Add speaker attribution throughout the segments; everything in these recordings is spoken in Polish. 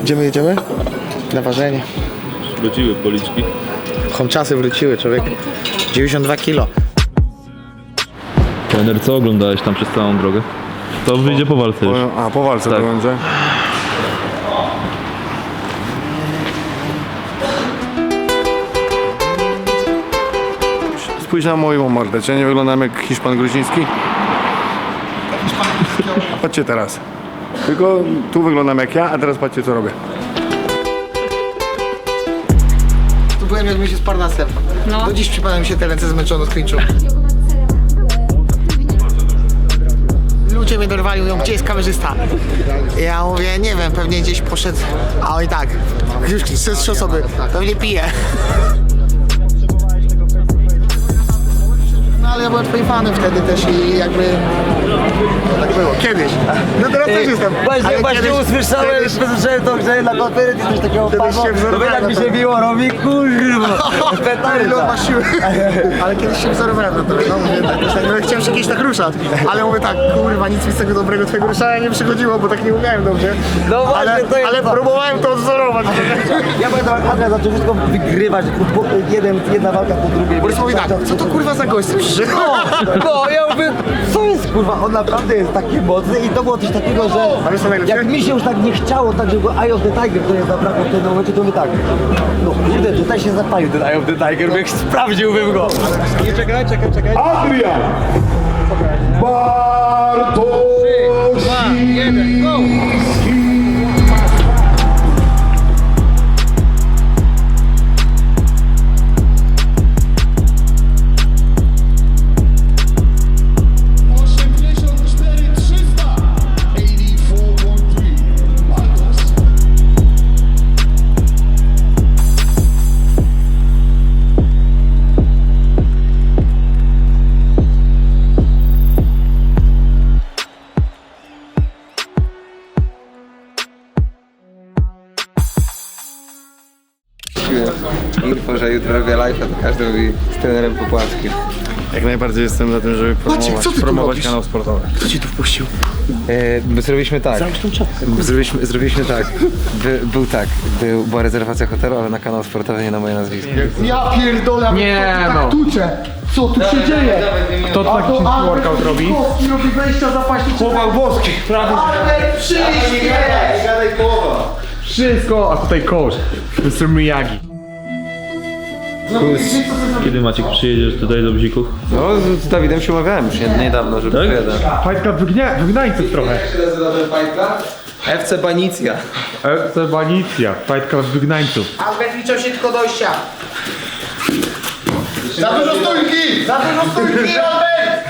Speaker 1: Gdzie my jedziemy? Na ważenie.
Speaker 2: Wróciły policzki.
Speaker 1: Homczasy wróciły, człowiek. 92 kilo.
Speaker 2: Trener, co oglądałeś tam przez całą drogę? To wyjdzie po walce już.
Speaker 3: A, po walce
Speaker 2: Tak.
Speaker 3: to będzie. Spójrz na moją mordę, czy ja nie wyglądam jak Hiszpan Gruziński? Patrzcie teraz. Tylko tu wyglądam jak ja, a teraz patrzcie co robię.
Speaker 1: Tu byłem jak my się z Parnasem.
Speaker 4: No.
Speaker 1: Do dziś przypadam mi się te ręce zmęczone od klinczu. Ludzie mnie dorwali, mówią, gdzie jest kamerzysta? Ja mówię, nie wiem, pewnie gdzieś poszedł, a oni tak, już ze 3 osoby, pewnie pije. No ale ja byłem twoim fanem wtedy też i jakby, no, tak było, kiedyś. No teraz też jestem.
Speaker 5: Właśnie
Speaker 1: kiedyś-
Speaker 5: usłyszałem,
Speaker 1: kiedyś-
Speaker 5: słyszałem to, że na konferencji coś takiego
Speaker 1: Kiedyś
Speaker 5: padło,
Speaker 1: się wzorowałem
Speaker 5: to tak mi
Speaker 1: na
Speaker 5: się
Speaker 1: to.
Speaker 5: biło, robi kurwa,
Speaker 1: Ale
Speaker 5: petarda.
Speaker 1: on ma siły. Ale kiedyś się wzorowałem na to, no mówię, tak, no, chciałem się kiedyś tak ruszać, ale mówię tak, kurwa, nic mi z tego dobrego twojego ruszania nie przychodziło, bo tak nie umiałem dobrze.
Speaker 5: No właśnie,
Speaker 1: ale,
Speaker 5: to jest
Speaker 1: ale
Speaker 5: to.
Speaker 1: próbowałem to odzorować.
Speaker 5: Ja pamiętam, jak Adrian zaczął wszystko wygrywać, jedna walka po drugiej.
Speaker 1: Borys mówi tak, co to kurwa za gość, słyszysz?
Speaker 5: No, ja mówię, co jest kurwa, on naprawdę jest taki mocny i to było coś takiego, że
Speaker 1: A wiesz co najlepsze?
Speaker 5: jak mi się już tak nie chciało, tak żeby Eye of the Tiger to jest zabrakło w tym momencie, to my tak, no kurde, tutaj się zapalił ten Eye of the Tiger, bo jak sprawdziłbym go. Nie, czekaj.
Speaker 3: Adrian!
Speaker 6: Info, że jutro robię live'a, to każdy mówi z trenerem Popławskim.
Speaker 3: Jak najbardziej jestem za tym, żeby
Speaker 1: Maciek, co ty tu
Speaker 3: promować
Speaker 1: robisz?
Speaker 3: kanał sportowy.
Speaker 1: Kto ci tu wpuścił?
Speaker 6: Zrobiliśmy tak. Zrobiliśmy tak. Była rezerwacja hotelu, ale na kanał sportowy, nie na moje nazwisko.
Speaker 1: Ja pierdolę, nie no. Tucze. Co tu się dzieje?
Speaker 3: Kto taki workout robi?
Speaker 1: Kowski robi wejścia zapaśnicze.
Speaker 3: Chłopak włoski, prawda?
Speaker 1: Ale przyjdź!
Speaker 3: Wszystko, a tutaj coach, Mr. Miyagi.
Speaker 2: Kiedy Maciek przyjedziesz tutaj do Bzików?
Speaker 6: No, z Dawidem się umawiałem już niedawno, żeby
Speaker 2: Tak?
Speaker 6: przyjadę.
Speaker 3: Fight Club wygnańców trochę.
Speaker 6: Jak się nazywa ten Fight Club? FC Banicja.
Speaker 3: FC Banicja, Fight Club wygnańców.
Speaker 1: Albert liczą się tylko dojścia. Za dużo stójki! Za dużo stójki, Albert!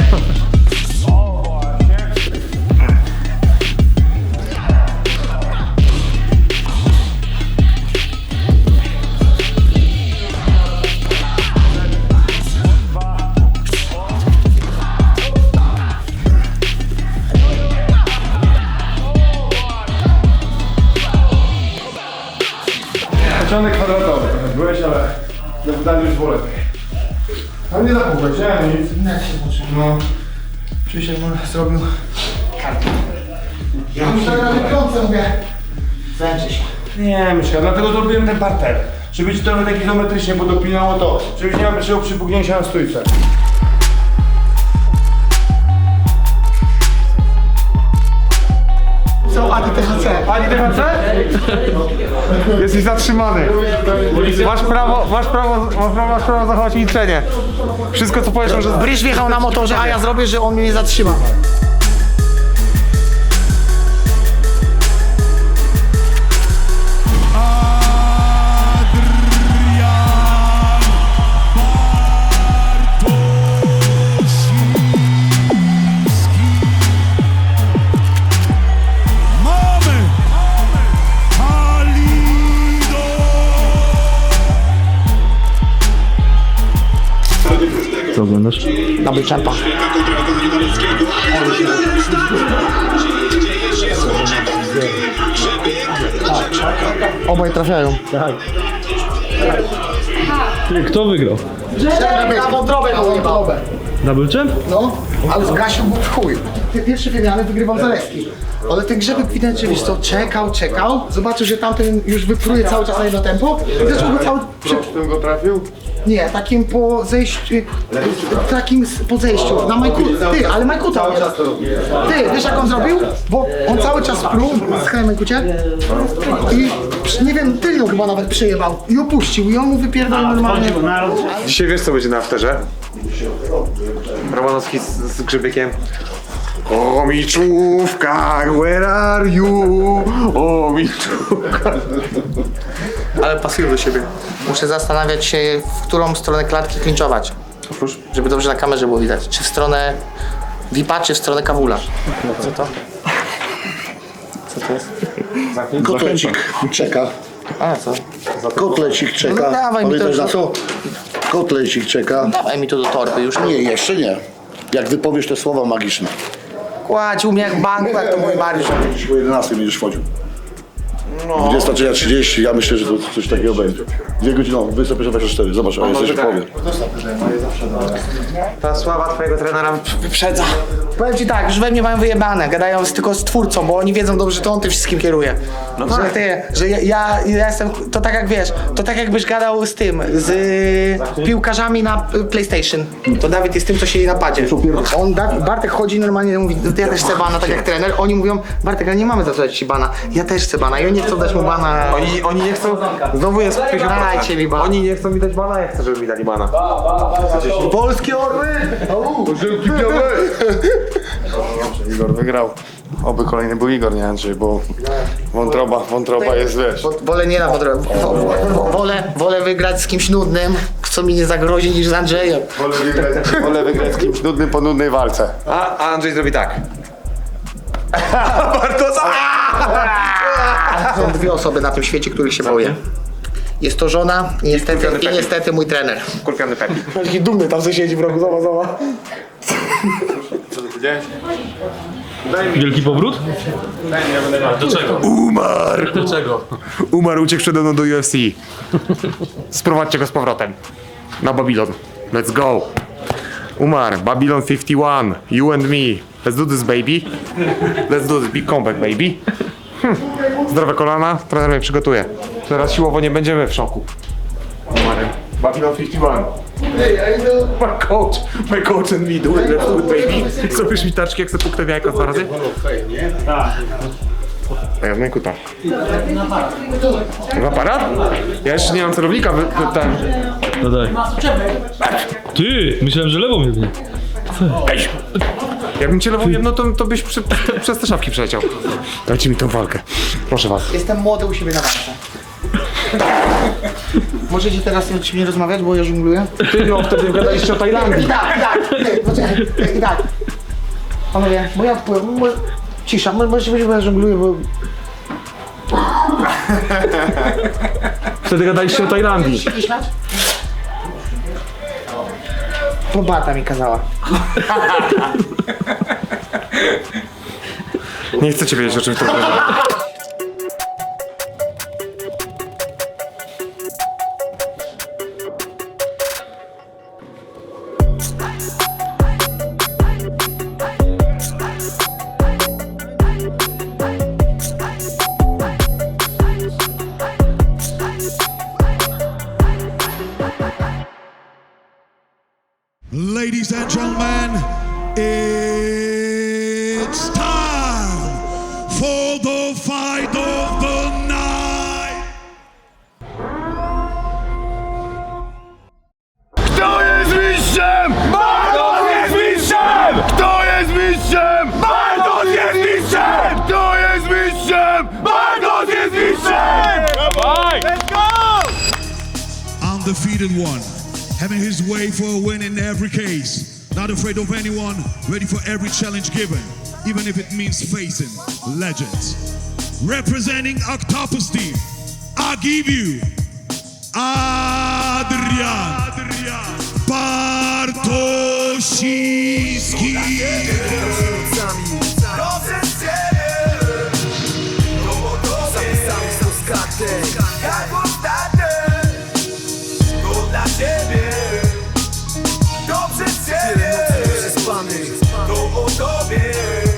Speaker 3: Początek kwadratowy. Byłeś, ale na wydaniu już było lepiej. Ale nie zapukłeś, nie? Nic.
Speaker 1: Jak się poczuł? No. Krzysiek mu zrobił kartę. Ja muszę na wykrącę, mówię. Zęczę się.
Speaker 3: Nie, myślę, dlatego zrobiłem ten parter. Żeby ci trochę tak izometrycznie podopinało to, żebyś nie miał pierwszego przypugnięcia na stójce.
Speaker 1: Co, Adi THC?
Speaker 3: Ani THC? Jesteś zatrzymany. Masz prawo zachować milczenie. Wszystko co powiesz może...
Speaker 1: Bryż wjechał na motorze, a ja zrobię, że on mnie nie zatrzyma.
Speaker 2: Co oglądasz?
Speaker 1: Double champa. Obaj trafiają.
Speaker 2: Kto wygrał?
Speaker 1: Na wątrobę, na wątrobę.
Speaker 2: Double champ?
Speaker 1: No, ale zgasił mu w chuj. te pierwsze wymiany wygrywał Zalewski. Ale ten Grzebek widać, wiesz co, czekał, zobaczył, że tamten już wypruje cały czas na jedno tempo i zaczął go cały...
Speaker 3: Tym go trafił?
Speaker 1: Nie, takim po zejściu, po zejściu, na Majku, ty, ale Majkuta nie. Ty, wiesz jak on zrobił? Bo on cały czas pluł, skaj Majkucie, i nie wiem, tylnią chyba nawet przyjebał i opuścił i on mu wypierdolił normalnie.
Speaker 3: Dzisiaj wiesz co będzie na afterze?
Speaker 6: Romanowski z Grzebiekiem.
Speaker 3: O miczówka, where are you? O miczówka.
Speaker 1: Ale pasuję do siebie. Muszę zastanawiać się, w którą stronę klatki klinczować. Żeby dobrze na kamerze było widać. Czy w stronę VIP-a, czy w stronę Kawula. Co to? Co to jest?
Speaker 4: Kotlecik czeka.
Speaker 1: A, co?
Speaker 4: Kotlecik czeka.
Speaker 1: No dawaj mi to
Speaker 4: Pamiętaj
Speaker 1: już.
Speaker 4: na co? Kotlecik czeka.
Speaker 1: Dawaj mi to do torby już.
Speaker 4: Nie, jeszcze nie. Jak wypowiesz te słowa magiczne.
Speaker 1: Kładź u mnie jak banku, jak to mój Mariusz.
Speaker 4: Dziś o 11 będziesz wchodził. 23:30, ja myślę, że to coś takiego będzie. 2 godziny, 21:24, zobacz, a jesteś w połowie.
Speaker 6: Ta sława twojego trenera wyprzedza.
Speaker 1: Powiem ci tak, już we mnie mają wyjebane, gadają tylko z twórcą, bo oni wiedzą dobrze, że to on tym wszystkim kieruje. No że ty, że ja jestem, to tak jak wiesz, to tak jakbyś gadał z tym, z piłkarzami na PlayStation. To Dawid jest tym, co siedzi na padzie. Bartek chodzi normalnie, mówi, ja też chcę bana, tak jak trener. Oni mówią, Bartek, ale nie mamy za co dać ci bana. Ja też chcę bana i oni nie chcą dać mu bana.
Speaker 6: Oni nie chcą, znowu jest 50%.
Speaker 1: Dajcie mi bana.
Speaker 6: Oni nie chcą mi dać bana, ja chcę, żeby mi dali bana.
Speaker 1: Polskie orły!
Speaker 3: Igor wygrał. Oby kolejny był Igor, nie Andrzej, bo wątroba jest, wiesz.
Speaker 1: Wolę nie na wolę wygrać z kimś nudnym, co mi nie zagrozi, niż z Andrzejem.
Speaker 3: Wolę wygrać z kimś nudnym po nudnej walce.
Speaker 6: A Andrzej zrobi tak.
Speaker 1: Są dwie osoby na tym świecie, których się boję. Jest to żona i niestety mój trener.
Speaker 6: Kurwiony Pepi.
Speaker 1: Taki dumny tam sobie siedzi w rogu, zobacz.
Speaker 2: Wielki powrót? Do czego?
Speaker 3: Umarł!
Speaker 2: Do czego?
Speaker 3: Umarł, uciekł przede mną do UFC. Sprowadźcie go z powrotem. Na Babylon. Let's go. Umarł. Babylon 51. You and me. Let's do this, baby. Let's do this. Big comeback, baby. Zdrowe kolana. Trener mnie przygotuje. Teraz siłowo nie będziemy w szoku. Umarł. Babylon 51. My coach and me do it. Let's do it, baby. Zrobisz mi taczki, jak sobie puknę w jajko 2 razy? Tak. Ja w kuta. W aparat? Ja jeszcze nie mam celownika, ten.
Speaker 2: No daj. Ty, myślałem, że lewą jednie.
Speaker 3: Ej! Jakbym cię lewą jedno, to byś przez te szafki przeleciał. Dajcie mi tą walkę. Proszę was.
Speaker 1: Jestem młody u siebie na walce. Możecie teraz nie rozmawiać, bo ja żongluję?
Speaker 3: Ty no, wtedy gadaliście o Tajlandii.
Speaker 1: Tak. Poczekaj, tak. Panowie, bo ja odpływam. Cisza, może być, bo ja żongluję, bo...
Speaker 3: Wtedy gadaliście o Tajlandii.
Speaker 1: Się nie śmiać? Bo Bata mi kazała.
Speaker 3: Nie chcecie wiedzieć, o czym to chodzi.
Speaker 7: Ladies and gentlemen, it's time for the fight of the night.
Speaker 3: Kto jest mistrzem? Bartosz jest mistrzem! Kto jest mistrzem? Bartosz jest mistrzem! Kto jest mistrzem? Bartosz jest mistrzem! Dawaj! Let's go!
Speaker 7: Undefeated one, having his way for a win in every case. Not afraid of anyone, ready for every challenge given, even if it means facing legends. Representing Octopus Team, I give you Adrian Bartosiński.
Speaker 8: Jak ostatnie, to dla ciebie, to przez ciebie, to o tobie.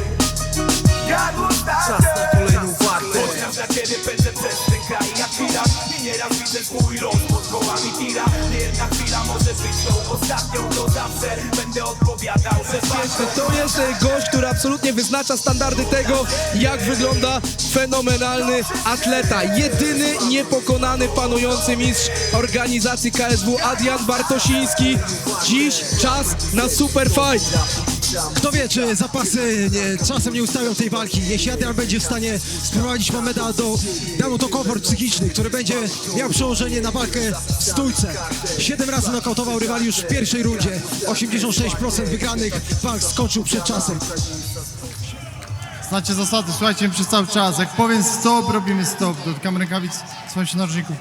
Speaker 8: Teraz widzę swój los, pod kołami tira. Nie jedna chwila może być tą ostatnią. To zawsze będę odpowiadał, że
Speaker 9: To jest gość, który absolutnie wyznacza standardy tego, jak wygląda fenomenalny atleta. Jedyny niepokonany panujący mistrz organizacji KSW Adrian Bartosiński. Dziś czas na super fight.
Speaker 10: Kto wie, czy zapasy czasem nie ustawią tej walki. Jeśli Adrian będzie w stanie sprowadzić Mameda da mu to komfort psychiczny, który będzie miał przełożenie na walkę w stójce. 7 razy nokautował rywali już w pierwszej rundzie. 86% wygranych walk skończył przed czasem.
Speaker 11: Znacie zasady, słuchajcie przez cały czas. Jak powiem stop, robimy stop. Dotykamy rękawic, słuchajcie się narożników.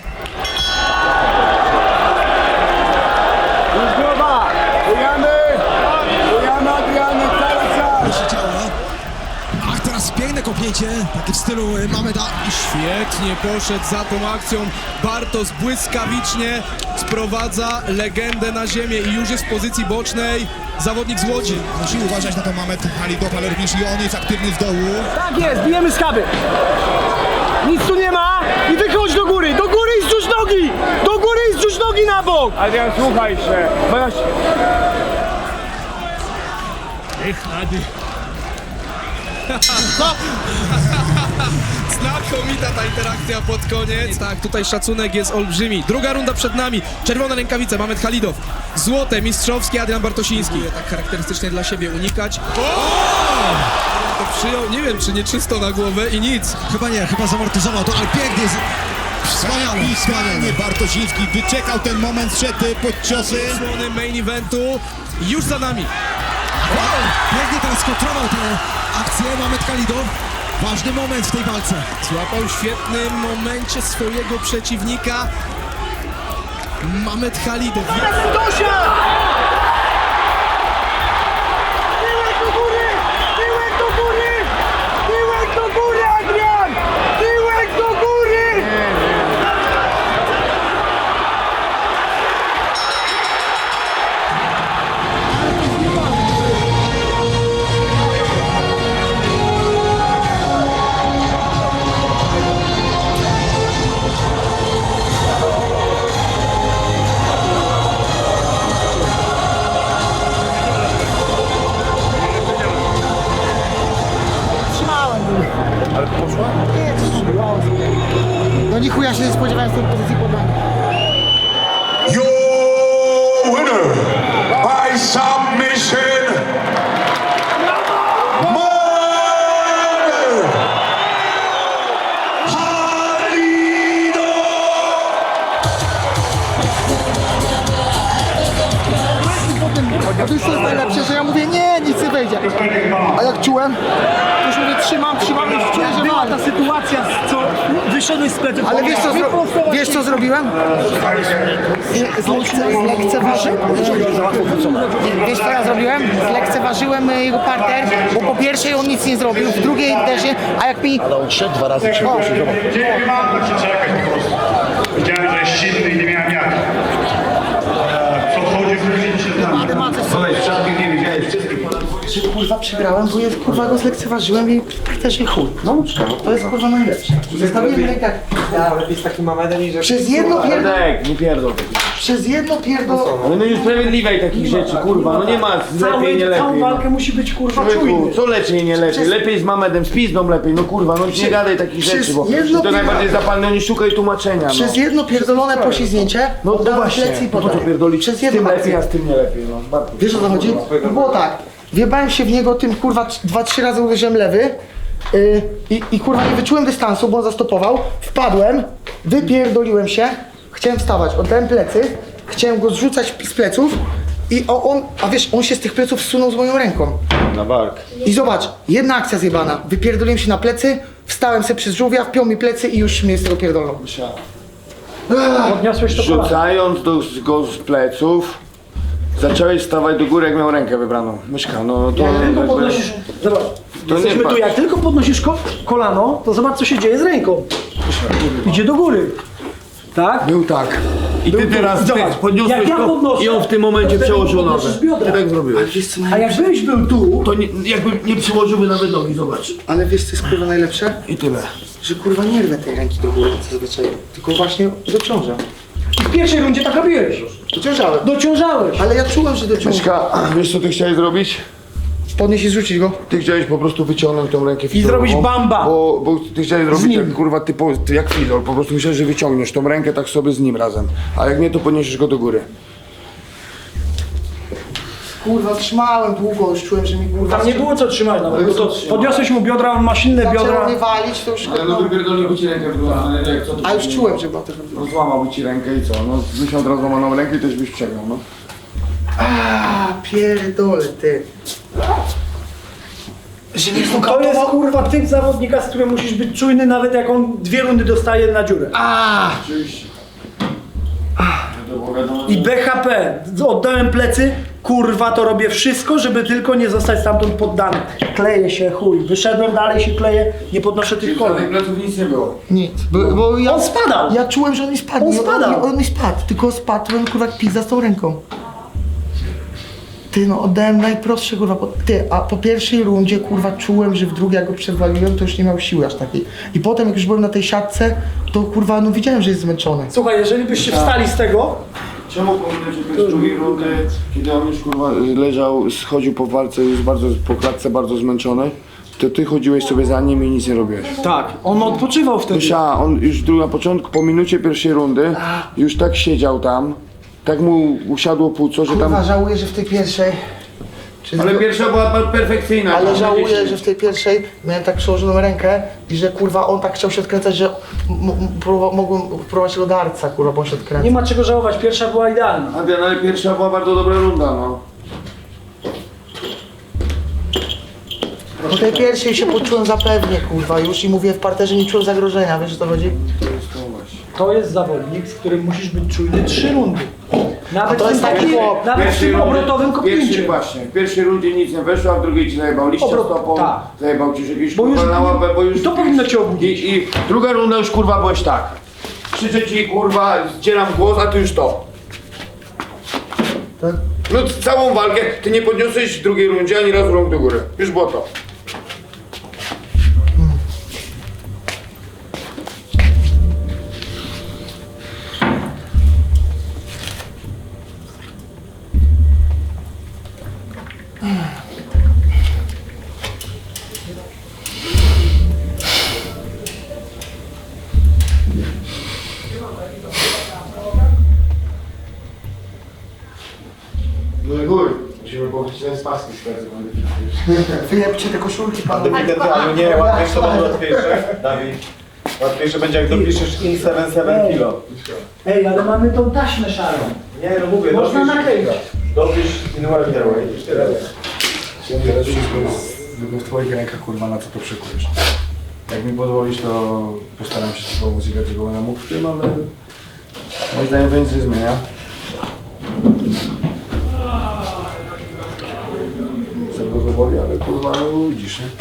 Speaker 10: Ach, teraz piękne kopnięcie, takie w stylu Mameda.
Speaker 9: I świetnie poszedł za tą akcją. Bartosz błyskawicznie sprowadza legendę na ziemię i już jest w pozycji bocznej zawodnik z Łodzi.
Speaker 10: Musi uważać na to Mamed Khalidow, ale również i on jest aktywny z dołu.
Speaker 5: Tak jest, bijemy skaby. Nic tu nie ma i wychodź do góry i zrzuć nogi! Do góry i zrzuć nogi na bok!
Speaker 3: Adrian, słuchaj się.
Speaker 9: Znakomita ta interakcja pod koniec. Tak, tutaj szacunek jest olbrzymi. Druga runda przed nami. Czerwone rękawice, Mamed Khalidow. Złote, mistrzowskie, Adrian Bartosiński. Tak charakterystycznie dla siebie unikać. To przyjął, nie wiem, czy nie czysto na głowę i nic.
Speaker 10: Chyba nie, chyba zamortyzował to, ale pięknie jest. Wspaniale. Bartosiński wyczekał ten moment, szedł pod ciosy.
Speaker 9: Słony main eventu już za nami.
Speaker 10: Pięknie teraz kontrolował tę akcję Mamed Khalidow. Ważny moment w tej walce.
Speaker 9: Złapał w świetnym momencie swojego przeciwnika. Mamed Khalidow.
Speaker 5: Tyłek do góry! Tyłek do góry! Tyłek do góry, Adrian! Tyłek do góry! No ni chuja się nie spodziewałem z tej pozycji podania.
Speaker 7: Your winner by submission, Mamed Khalidow.
Speaker 5: A to już jest najlepsze, że ja mówię nie, nic nie wejdzie. A jak czułem, to już mówię trzymam i czuję, że była ta sytuacja, co wyszedłeś z pleców. Ale wiesz co zrobiłem? Zlekceważyłem. Wiesz co ja zrobiłem? Zlekceważyłem jego parter, bo po pierwszej on nic nie zrobił, w drugiej też nie, a jak mi...
Speaker 4: Ale on szedł 2 razy, 3 razy.
Speaker 7: Nie mam to się czekać po prostu. Widziałem, że jest silny i nie miałem jak. Podchodził, wrócił się tam.
Speaker 5: Że kurwa przegrałem, bo ja kurwa go zlekceważyłem i też nie chuj. No to jest kurwa najlepsze. Zostawiłem rękach.
Speaker 6: Ja lepiej z takim Mamedem niż...
Speaker 5: Przez jedno
Speaker 3: Nie pierdol.
Speaker 5: Przez jedno
Speaker 3: Ale no niesprawiedliwej takich rzeczy, kurwa. No nie ma lepiej, nie lepiej.
Speaker 5: Całą walkę musi być kurwa
Speaker 3: Człowieku,
Speaker 5: czujny.
Speaker 3: co lepiej, nie lepiej? Lepiej z Mamedem, z pizdą lepiej, no kurwa, no nie gadaj takich rzeczy, bo
Speaker 5: jedno
Speaker 3: to najbardziej zapalne, nie szukaj tłumaczenia, no.
Speaker 5: Przez jedno pierdolone poślizgnięcie oddałem plecy i
Speaker 3: no to
Speaker 5: podaję.
Speaker 3: pierdolić,
Speaker 5: Przez
Speaker 3: z tym
Speaker 5: jedną
Speaker 3: lepiej,
Speaker 5: akcję.
Speaker 3: a z tym nie lepiej, no.
Speaker 5: Wiesz o co chodzi? No było tak. Wjebałem się w niego tym kurwa 2-3 razy uderzyłem lewy i kurwa nie wyczułem dystansu, bo on zastopował. Wpadłem, wypierdoliłem się, chciałem wstawać, oddałem plecy, chciałem go zrzucać z pleców i a wiesz, on się z tych pleców zsunął z moją ręką.
Speaker 3: Na bark.
Speaker 5: I zobacz, jedna akcja zjebana. Wypierdoliłem się na plecy, wstałem se przez żółwia, wpiął mi plecy i już mnie z tego pierdolą. Podniosłeś to
Speaker 3: Rzucając go z pleców, zacząłeś stawać do góry, jak miał rękę wybraną. Myszka, no to...
Speaker 5: Zobacz, jesteśmy tu, jak tylko podnosisz kolano, to zobacz co się dzieje z ręką. Idzie do góry. Tak?
Speaker 3: Był tak. I ty teraz podniosłeś
Speaker 5: Jak ja
Speaker 3: go
Speaker 5: podnoszę,
Speaker 3: i on w tym momencie przełożył nogę.
Speaker 5: biodra.
Speaker 3: Ty tak zrobiłeś.
Speaker 5: A jakbyś był tu,
Speaker 3: To nie, jakby nie przyłożyłby nawet nogi, zobacz.
Speaker 5: ale wiesz co jest kurwa najlepsze?
Speaker 3: I tyle.
Speaker 5: że kurwa nie rwę tej ręki do góry zazwyczaj, tylko właśnie dociążam.
Speaker 10: I w pierwszej rundzie tak robiłeś. Dociążałeś.
Speaker 5: Ale ja czułem, że dociążam.
Speaker 4: Myszka, wiesz co ty chciałeś zrobić?
Speaker 5: Podnieść i zrzucić go.
Speaker 4: Ty chciałeś po prostu wyciągnąć tą rękę
Speaker 10: I zrobić bamba.
Speaker 4: Bo ty chciałeś zrobić jak, kurwa jak Fidol, po prostu myślałeś, że wyciągniesz tą rękę tak sobie z nim razem. A jak nie, to podniesiesz go do góry.
Speaker 5: Kurwa, trzymałem długo, już czułem, że mi kurwa...
Speaker 10: Tam nie było co trzymać nawet, bo to podniosłeś mu biodra, on ma silne
Speaker 5: Zaczęło
Speaker 10: biodra.
Speaker 5: mnie walić, to już...
Speaker 4: Ale no wypierdoliłby ci rękę w drugą stronę, jak co to
Speaker 5: A już czułem, że była tego...
Speaker 4: No złamałby ci rękę i co? No byś miał teraz złamaną rękę i też byś przegrał, no.
Speaker 5: A pierdolę, ty. Że mnie
Speaker 10: To jest kurwa typ zawodnika, z którym musisz być czujny, nawet jak on 2 rundy dostaje na dziurę.
Speaker 4: Oczywiście.
Speaker 10: I BHP, oddałem plecy, kurwa to robię wszystko, żeby tylko nie zostać stamtąd poddany. Kleję się, chuj, wyszedłem, dalej się kleję, nie podnoszę tych
Speaker 4: Tych
Speaker 10: kolek.
Speaker 4: pleców nic nie było.
Speaker 5: Nic, bo ja...
Speaker 10: On spadał!
Speaker 5: Ja czułem, że on mi spadł.
Speaker 10: On
Speaker 5: Nie,
Speaker 10: spadał.
Speaker 5: On mi spadł, tylko spadł, to kurwa jak pizza z tą ręką. Ty no, oddałem najprostsze kurwa, a po pierwszej rundzie kurwa czułem, że w drugiej jak go przewaliłem, to już nie miał siły aż takiej. I potem jak już byłem na tej siatce, to kurwa no widziałem, że jest zmęczony.
Speaker 10: Słuchaj, jeżeli byście wstali z tego,
Speaker 4: Czemu pominąć okres drugiej rundy, kiedy on już kurwa leżał, schodził po walce, już bardzo po klatce bardzo zmęczony, to ty chodziłeś sobie za nim i nic nie robiłeś.
Speaker 10: tak, on odpoczywał wtedy.
Speaker 4: On już na początku, po minucie pierwszej rundy, już tak siedział tam, tak mu usiadło płuco, że
Speaker 5: Kurwa,
Speaker 4: tam...
Speaker 5: żałuję, że w tej pierwszej...
Speaker 4: Ale pierwsza była perfekcyjna.
Speaker 5: Ale żałuję, że w tej pierwszej miałem tak przełożoną rękę i że kurwa on tak chciał się odkręcać, że mogłem próbować go do arca, kurwa, bo on się odkręca.
Speaker 10: Nie ma czego żałować, pierwsza była idealna.
Speaker 4: Adrian, ale pierwsza była bardzo dobra runda, no.
Speaker 5: Po tej pierwszej się poczułem zapewnie, kurwa, już i mówię w parterze nie czułem zagrożenia, wiesz o co chodzi?
Speaker 10: To jest zawodnik, z którym musisz być czujny 3 rundy. Nawet
Speaker 5: A to
Speaker 10: w
Speaker 5: jest
Speaker 10: tym,
Speaker 5: taki chłop.
Speaker 10: nawet w tym obrotowym kopnięciu.
Speaker 4: Właśnie, w pierwszej rundzie nic nie weszło, a w drugiej ci zajebał liścia stopą,
Speaker 10: tak.
Speaker 4: zajebał ci jakieś
Speaker 10: Bo już-
Speaker 4: kurwa na łapę, bo już...
Speaker 10: to powinno cię obudzić.
Speaker 4: I druga runda już kurwa byłeś tak. Krzyczę ci kurwa, zdzieram głos, a ty już to.
Speaker 5: Tak.
Speaker 4: No całą walkę, ty nie podniosłeś w drugiej rundzie ani razu rąk do góry. Już było to. No i góry. Musimy powiedzieć, że jest paski z każdym.
Speaker 5: Wyjebcie te koszulki, panowie.
Speaker 12: Nie, łatwiejsze będzie łatwiejsze, Dawid. Łatwiejsze będzie jak dopiszesz in 7 kilo.
Speaker 10: Ej, ale mamy tą taśmę szarą.
Speaker 12: Nie, no mówię,
Speaker 10: Można nakleić.
Speaker 12: dopisz in welterweight.
Speaker 3: Teraz wszystko jest w twoich rękach, kurwa, na co to przykujesz. Jak mi pozwolisz, to postaram się ci pomóc i dlaczego będę mógł w tym, ale moim zdaniem to nic nie zmienia. Co go boli, ale kurwa, no widzisz, nie?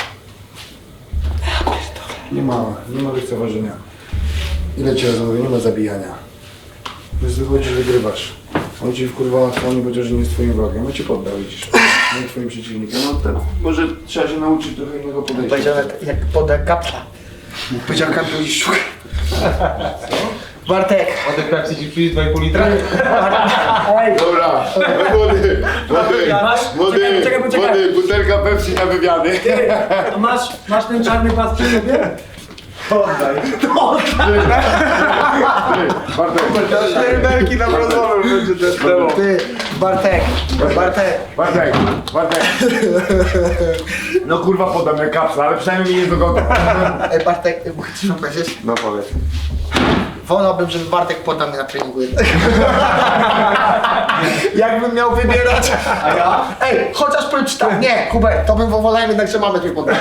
Speaker 3: Nie ma lekceważenia. Ile ci razy mówię, nie ma zabijania. Więc wychodzi, że wygrywasz. On ci kurwa on nie powiedział, że nie jest twoim wrogiem, a cię poddał, widzisz. Nie twoim przeciwnikiem. No tak, może trzeba się nauczyć trochę innego podejścia.
Speaker 5: Powiedział jak poda kapla. Powiedział kapla i szuk. Bartek.
Speaker 12: Ładek Pepsi ci przyjdzie 2,5 litra?
Speaker 10: Ej,
Speaker 4: Dobra, młody, butelka Pepsi na wywiady.
Speaker 10: a masz ten czarny pas przy sobie?
Speaker 12: Oddaj.
Speaker 4: Bartek,
Speaker 12: Belki nam rozwolą, będzie ten demo.
Speaker 5: Ty, Bartek.
Speaker 4: No kurwa podam jak kapsla, ale przynajmniej mi nie dogodę.
Speaker 5: Ej, Bartek, mogę ci powiedzieć?
Speaker 4: No powiedz.
Speaker 5: Wolałbym, żeby Bartek podał mnie na treningu jednak. Jakbym miał wybierać. A ja? Ej, chociaż powiem ci tak, nie, Hubert, to bym wolał jednak, że mamy cię podać.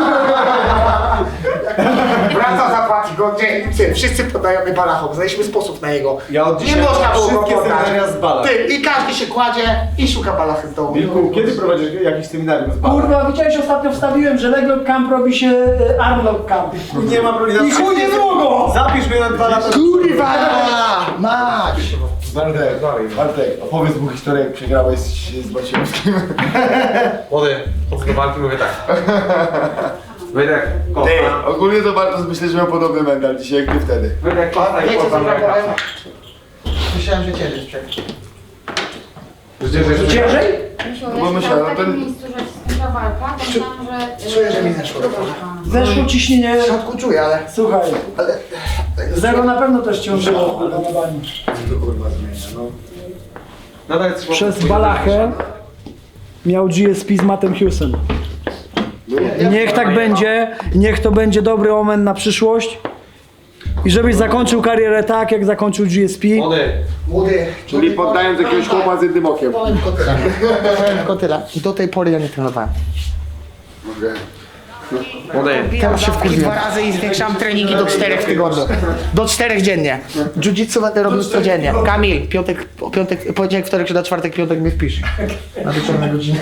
Speaker 5: Wraca zapłaci go, gdzie? Wszyscy podajemy balachom, znaleźliśmy sposób na jego.
Speaker 12: Ja od
Speaker 5: Nie
Speaker 12: dzisiaj
Speaker 5: można było go
Speaker 12: wszystkie
Speaker 5: poddać.
Speaker 12: seminaria z balach.
Speaker 5: Ty, i każdy się kładzie i szuka balachy z domu.
Speaker 12: Wilku, kiedy prowadzisz jakiś seminarium z balach?
Speaker 10: Kurwa, widziałeś ostatnio wstawiłem, że Leglock Camp robi się Armlock Camp.
Speaker 12: Nie ma problemu.
Speaker 10: I chuj nie długo!
Speaker 12: Zapisz mnie na 2 lata.
Speaker 5: Kurwa! Mać!
Speaker 3: Bartek, opowiedz mu historię, jak przegrałeś z Baciewskim.
Speaker 12: Młody, chodzę do walki, mówię tak.
Speaker 6: Wydech,
Speaker 4: Ty, ogólnie to Bartosz myślę, że miał podobny mental dzisiaj jak ty wtedy.
Speaker 6: Wydech, kosta i
Speaker 5: Wiecie co
Speaker 6: chłopak.
Speaker 5: zapowiem? Myślałem, że ciężej sprzęt.
Speaker 13: Ciężej?
Speaker 4: Bo myślałem,
Speaker 14: w
Speaker 4: no
Speaker 14: takim
Speaker 4: ten...
Speaker 14: miejscu, że się skończyła walka, to myślałam, że...
Speaker 5: Czuję, że mi zeszło.
Speaker 13: Zeszło ciśnienie.
Speaker 5: W środku czuję, ale...
Speaker 13: Słuchaj,
Speaker 5: ale
Speaker 13: zero na pewno też ciążyło. Przez balachę miał GSP z Mattem Hughesem. Niech tak będzie, niech to będzie dobry omen na przyszłość. I żebyś zakończył karierę tak, jak zakończył GSP.
Speaker 5: Młody.
Speaker 4: Czyli poddając jakiegoś chłopa z jednym okiem.
Speaker 5: Powiem tylko tyle. Do tej pory ja nie trenowałem. Teraz się wkurwiłem. 2 razy i zwiększam treningi do 4 w tygodniu. Do 4 dziennie. Jiu-jitsu będę robił codziennie. Kamil, poniedziałek, wtorek, środa, czwartek, piątek mnie wpisz. Na wieczorne godziny.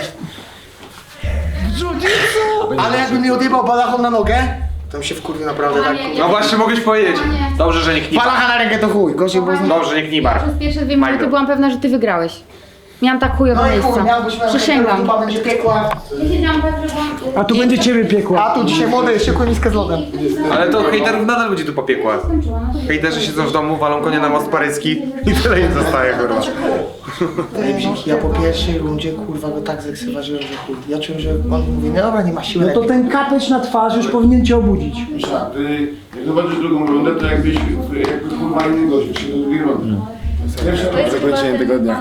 Speaker 5: Jiu-jitsu! Ale jakby mi odjebał balachą na nogę, to mi się wkurwił naprawdę tak.
Speaker 3: No właśnie mogłeś powiedzieć. Dobrze, że nie knibar.
Speaker 5: Balacha na rękę to chuj. Gorzej było z nim.
Speaker 3: Dobrze, że nie knibar.
Speaker 14: Przez pierwsze 2 minuty byłam pewna, że ty wygrałeś. Miałam tak chujowe
Speaker 5: No i chuj,
Speaker 14: miejsca.
Speaker 5: miałbyś
Speaker 14: Przysięgam.
Speaker 5: chyba będzie piekła.
Speaker 14: Ja siedziałam tak, że byłam...
Speaker 13: A tu będzie ciebie piekło.
Speaker 5: A tu dzisiaj młody, szykuj miskę z lodem.
Speaker 3: Ale to hejterów nadal będzie tu popiekła. Hejterzy siedzą w domu, walą konia na most paryski i tyle im zostaje, kurwa.
Speaker 5: Ja po pierwszej rundzie kurwa go tak zeksyważyłem, że chuj. Ja czułem, że on mówi, no dobra, nie ma siły.
Speaker 13: No to ten kapeć na twarz już powinien cię obudzić.
Speaker 4: Jak zobaczysz drugą rundę, to jakby kurwa inny gość, się do drugiej rundy. Pierwsze zakończenie tego dnia.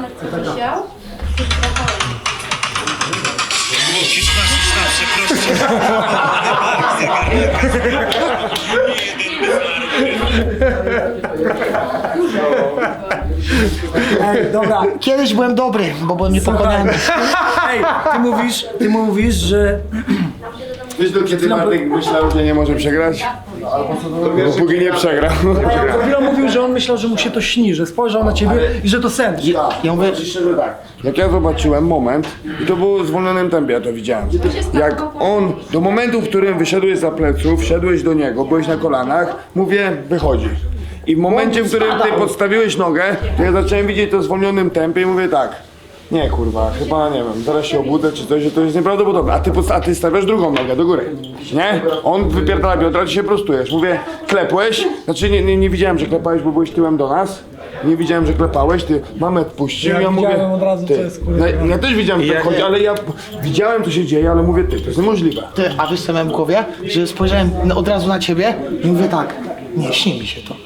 Speaker 13: Ej, dobra.
Speaker 5: Kiedyś byłem dobry, bo byłem niepokonany.
Speaker 13: Ej, ty mówisz, że...
Speaker 4: Wiesz, do kiedy Bartek myślał, że nie może przegrać? Bo póki nie przegrał.
Speaker 13: Chwilę mówił, że on myślał, że mu się to śni, że spojrzał na ciebie i że to sen.
Speaker 5: Ja mówię,
Speaker 4: Jak ja zobaczyłem moment, i to było w zwolnionym tempie, ja to widziałem. Jak on, do momentu, w którym wyszedłeś za pleców, wszedłeś do niego, byłeś na kolanach, mówię, wychodzi. I w momencie, w którym ty podstawiłeś nogę, to ja zacząłem widzieć to w zwolnionym tempie i mówię tak. Nie kurwa, chyba nie wiem, zaraz się obudzę czy coś, że to jest nieprawdopodobne. A ty stawiasz drugą nogę do góry, nie? On wypierdala biodra, ty się prostujesz. Mówię, klepłeś, znaczy nie widziałem, że klepałeś, bo byłeś tyłem do nas. Nie widziałem, że klepałeś, ty Mamet puścił,
Speaker 13: Ja widziałem od razu, co jest, kurwa.
Speaker 4: Ja też widziałem, że tak chodzi, ale ja widziałem, co się dzieje, ale mówię, ty, to jest niemożliwe.
Speaker 5: ty, a wiesz co miałem w głowie? Że spojrzałem od razu na ciebie i mówię tak, nie, śni mi się to.